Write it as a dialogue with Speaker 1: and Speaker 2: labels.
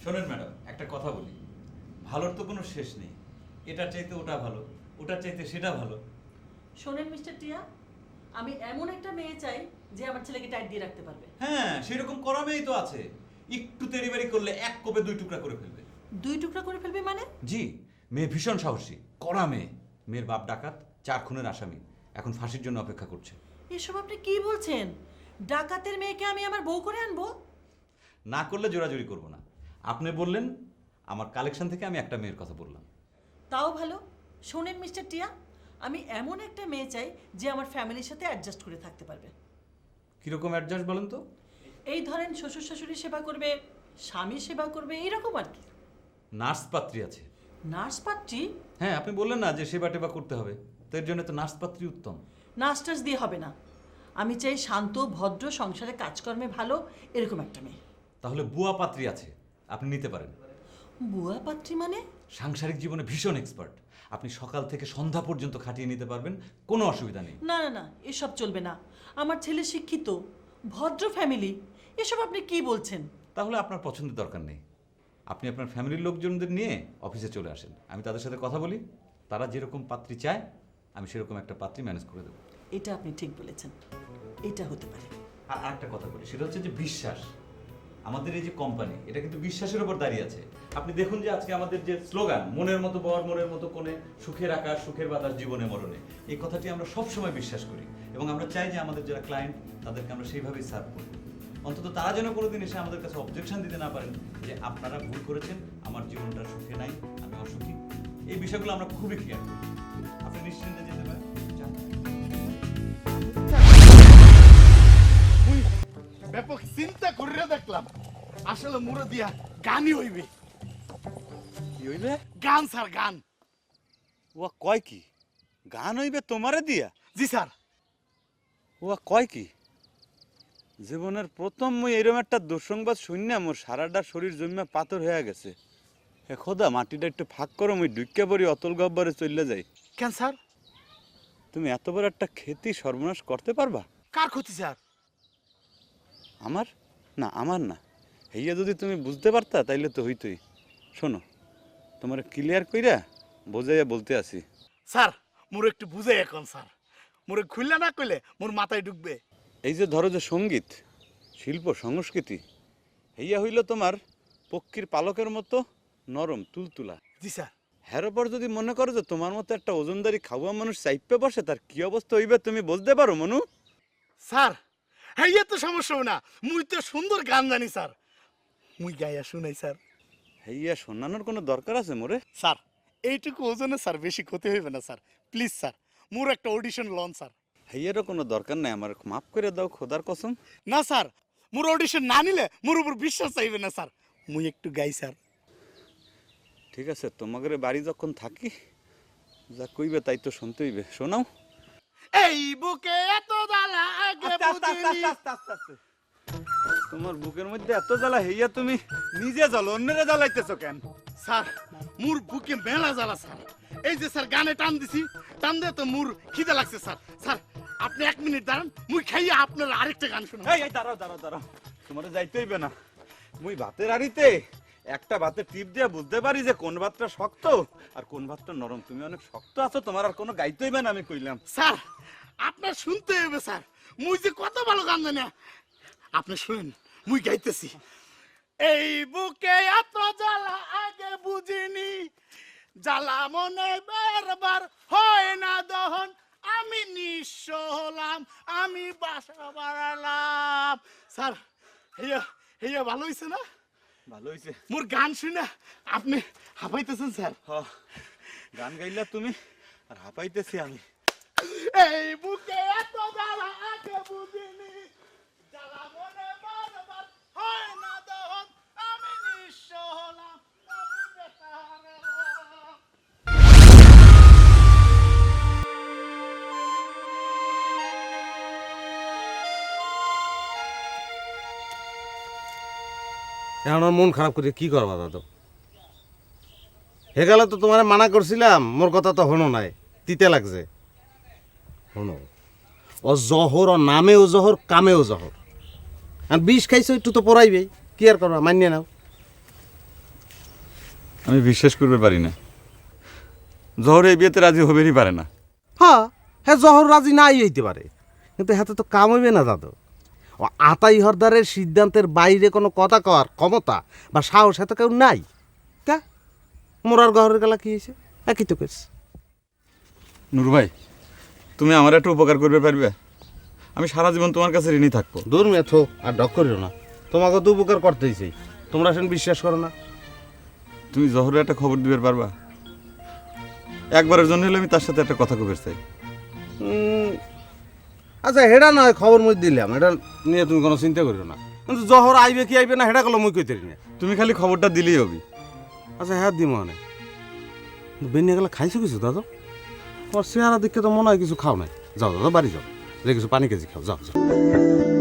Speaker 1: শোনেন ম্যাডাম, একটা কথা বলি, ভালোর তো কোনো শেষ নেই। এটার চাইতে ওটা ভালো, ওটার চাইতে সেটা ভালো।
Speaker 2: শোনেন মিস্টার টিয়া, আমি এমন একটা মেয়ে চাই যে আমার ছেলেকে টাইট দিয়ে রাখতে পারবে।
Speaker 1: হ্যাঁ, সেরকম করা মেয়েই তো আছে। একটু তেড়িবাড়ি করলে এক কোপে 2 টুকরা করে ফেলবে।
Speaker 2: 2 টুকরা করে ফেলবে মানে?
Speaker 1: জি, মেয়ে ভীষণ সাহসী, কড়া মেয়ে। মেয়ের বাপ ডাকাত, 4 খুনের আসামি, এখন ফাঁসির জন্য অপেক্ষা করছে।
Speaker 2: এসব আপনি কি বলছেন? ডাকাতের মেয়েকে আমি আমার বউ করে আনবো?
Speaker 1: না করলে জোরাজুরি করব না। আপনি বললেন, আমার কালেকশন থেকে আমি একটা মেয়ের কথা বললাম।
Speaker 2: তাও ভালো। শোনেন মিস্টার টিয়া, আমি এমন একটা মেয়ে চাই যে আমার ফ্যামিলির সাথে অ্যাডজাস্ট করে থাকতে পারবে।
Speaker 1: কিরকম অ্যাডজাস্ট বলেন তো?
Speaker 2: এই ধরেন শ্বশুর শাশুড়ি সেবা করবে, স্বামী সেবা করবে, এইরকম আর কি।
Speaker 1: নার্স পাত্রী আছে।
Speaker 2: নার্স পাত্রী?
Speaker 1: হ্যাঁ, আপনি বললেন না যে সেবা টেবা করতে হবে, তো এর জন্য তো নার্স পাত্রী উত্তম।
Speaker 2: নার্স টার্স দিয়ে হবে না। আমি চাই শান্ত, ভদ্র, সংসারে কাজকর্মে ভালো, এরকম একটা মেয়ে।
Speaker 1: তাহলে বুয়া পাত্রী আছে, আপনি নিতে পারেন।
Speaker 2: বুয়া পাত্রী মানে?
Speaker 1: সাংসারিক জীবনে ভীষণ এক্সপার্ট, আপনি সকাল থেকে সন্ধ্যা পর্যন্ত খাটিয়ে নিতে পারবেন, কোনো অসুবিধা নেই।
Speaker 2: না না না, এসব চলবে না। আমার ছেলে শিক্ষিত, ভদ্র ফ্যামিলি, এসব আপনি কি বলছেন?
Speaker 1: তাহলে আপনার পছন্দের দরকার নেই। আপনি আপনার ফ্যামিলির লোকজনদের নিয়ে অফিসে চলে আসেন, আমি তাদের সাথে কথা বলি, তারা যেরকম পাত্রী চায় আমি সেরকম একটা পাত্রী ম্যানেজ করে দেবো।
Speaker 2: এটা আপনি ঠিক বলেছেন, এটা হতে পারে।
Speaker 1: আর আরেকটা কথা বলি, সেটা হচ্ছে যে বিশ্বাস। আমাদের এই যে কোম্পানি, এটা কিন্তু বিশ্বাসের উপর দাঁড়িয়ে আছে। আপনি দেখুন যে আজকে আমাদের যে স্লোগান, মনের মতো বর মনের মতো কোণে, সুখের আকাশ সুখের বাতাস জীবনে মরণে, এই কথাটি আমরা সবসময় বিশ্বাস করি এবং আমরা চাই যে আমাদের যারা ক্লায়েন্ট তাদেরকে আমরা সেইভাবেই সার্ভ করি। অন্তত তারা যেন কোনোদিন এসে আমাদের কাছে অবজেকশন দিতে না পারেন যে আপনারা ভুল করেছেন, আমার জীবনটা সুখে নাই, আমি অসুখী। এই বিষয়গুলো আমরা খুবই খেয়াল করি। আপনি নিশ্চিন্তে যেতে পারেন, যান।
Speaker 3: মুই ব্যাপক চিন্তা করে দেখলাম, আসলে মুরে দিয়া গানই হইবে।
Speaker 4: কি হইবে?
Speaker 3: গান স্যার, গান।
Speaker 4: ও কয় কি গান হইবে তোমারে দিয়া?
Speaker 3: জি স্যার।
Speaker 4: ও কয় কি জীবনের প্রথম মুই এরকম একটা দুঃসংবাদ শুননা মোর সারাটা শরীর জন্মে পাথর হয়ে গেছে। হে খোদা, মাটিটা একটু ফাঁক করো, মুই ডুইক্কা পড়ি অতল গব্বরে চলে যাই।
Speaker 3: কেন স্যার?
Speaker 4: তুমি এত বড় একটা ক্ষতি সর্বনাশ করতে পারবা?
Speaker 3: কার ক্ষতি স্যার?
Speaker 4: আমার না, আমার না। হইয়া যদি তুমি বুঝতে পারতা তাইলে তো হইতই। শোনো, তোমার ক্লিয়ার কইরা বোঝাইয়া বলতে আসি।
Speaker 3: স্যার মোরে একটু বুঝে এখন স্যার, মোরে খুললে না কইলে মোর মাথায় ঢুকবে।
Speaker 4: এই যে ধরো যে সঙ্গীত, শিল্প, সংস্কৃতি, হইয়া হইল তোমার পক্ষীর পালকের মতো নরম তুলতুলা।
Speaker 3: জি স্যার।
Speaker 4: হের ওপর যদি মনে করো যে তোমার মতো একটা ওজনদারি খাওয়া মানুষ চাইপে বসে, তার কি অবস্থা হইবে তুমি বুঝতে পারো মনু?
Speaker 3: স্যার হইয়া তো সমস্যা হবে না, মুই তো সুন্দর গান জানি স্যার, মুই গাইয়া শুনাই স্যার।
Speaker 4: হইয়া শোনানোর কোনো দরকার আছে মোরে?
Speaker 3: স্যার এইটুকু ওজনে স্যার বেশি ক্ষতি হইবে না স্যার, প্লিজ স্যার মোর একটা অডিশন লন স্যার।
Speaker 4: হইয়ারও কোনো দরকার নাই, আমার মাফ করে দাও খোদার কসম।
Speaker 3: না স্যার, মোর অডিশন না নিলে মোর উপর বিশ্বাস চাইবে না স্যার, মুই একটু গাই স্যার।
Speaker 4: ঠিক আছে, তোমাদের বাড়ি যখন থাকি যা কইবে তাই তো শুনতে হইবে, শোনাও।
Speaker 3: এই বুকে এত জ্বালা আগে বুঝিনি।
Speaker 4: তোমার বুকের মধ্যে এত জ্বালা, হইয়া তুমি নিজে জ্বালো, অন্যরা জ্বালাইতেছো কেন?
Speaker 3: স্যার মোর বুকে মেলা জ্বালা স্যার, এই যে স্যার গানে টান দিছি, টান দিয়ে তো মোর খিদে লাগছে স্যার। স্যার আপনি 1 মিনিট দাঁড়ান, মুই খাইয়া আপনার আরেকটা গান শোনাবো।
Speaker 4: এই দাঁড়াও দাঁড়াও দাঁড়াও, তোমার যাইতে হইবে না। মুই ভাতের হাড়িতে একটা ভাতের টিপ দিয়ে বুঝতে পারি যে কোন ভাতটা শক্ত আর কোন ভাতটা নরম। তুমি অনেক শক্ত আছো, তোমার আর কোনো গাইতে হইবে না, আমি কইলাম।
Speaker 3: স্যার আপনার শুনতে হবে স্যার, মুই যে কত ভালো গান জানি। আপনি শুনেন, মুই গাইতেছি। এই বুকে এত জ্বালা আগে বুঝিনি, জ্বালা মনে বারবার হয় না দহন, আমি নিঃস্ব হলাম, আমি বাসা বাড়ালাম। স্যার হেয়া হেয়া ভালো হয়েছে না?
Speaker 4: ভালো হইছে।
Speaker 3: মোর গান শুনে আপনি হাঁপাইতেছেন স্যার।
Speaker 4: গান গাইলা তুমি আর হাঁপাইতেছি আমি।
Speaker 3: এই বুকে এত জ্বালা আগে বুঝিনি, জ্বালা মনে বারবার হয় না দহন, আমি নিঃস্ব হলাম, আমি বেকার হলাম।
Speaker 5: এখন আমার মন খারাপ করে কি করবা দাদু? হে গেলে তো তোমার মানা করছিলাম, মোর কথা তো হনো নাই, তিতে লাগছে। হনো ও জহর, ও নামেও জহর, কামেও জহর। আর বিষ খাইছো একটু তো পড়াইবেই, কি আর করবা, মানিয়ে নাও।
Speaker 4: আমি বিশ্বাস করতে পারি না জহর এই বিয়েতে রাজি হবেরই পারে না।
Speaker 5: হ্যাঁ হ্যাঁ জহর রাজি নাই হইতে পারে, কিন্তু হাতে তো কাম হইবে না দাদু। ও আতাই হরদারের সিদ্ধান্তের বাইরে কোনো কথা কওয়ার ক্ষমতা বা সাহস এত কেউ নাই। কা মোরার গহরের গেলা কি হয়েছে? একই তো কেস।
Speaker 4: নুরু ভাই, তুমি আমার একটা উপকার করবে পারবে? আমি সারা জীবন তোমার কাছে ঋণী থাকবো।
Speaker 5: দূর মেথো আর ডক করিও না, তোমাকে তো উপকার করতেইছি, তোমরা সেন বিশ্বাস করো না।
Speaker 4: তুমি জহরের একটা খবর দিবে পারবা? একবারের জন্য হলে আমি তার সাথে একটা কথা কবে চাই।
Speaker 5: আচ্ছা হেডা নয় খবর মুই দিলাম, এটা নিয়ে তুমি কোনো চিন্তা করিও না, কিন্তু জহর আইবে কি আইবে না হেডা কলো মুই কইতে না।
Speaker 4: তুমি খালি খবরটা দিলেই হবে।
Speaker 5: আচ্ছা হ্যাঁ দিম মানে বেনিয়ে গেলে খাইছো কিছু দাদা? তোমার চেহারা দেখে তো মনে হয় কিছু খাও নাই। যাও দাদা বাড়ি যাও, যে কিছু পানি কেজি খাও, যাও যাও।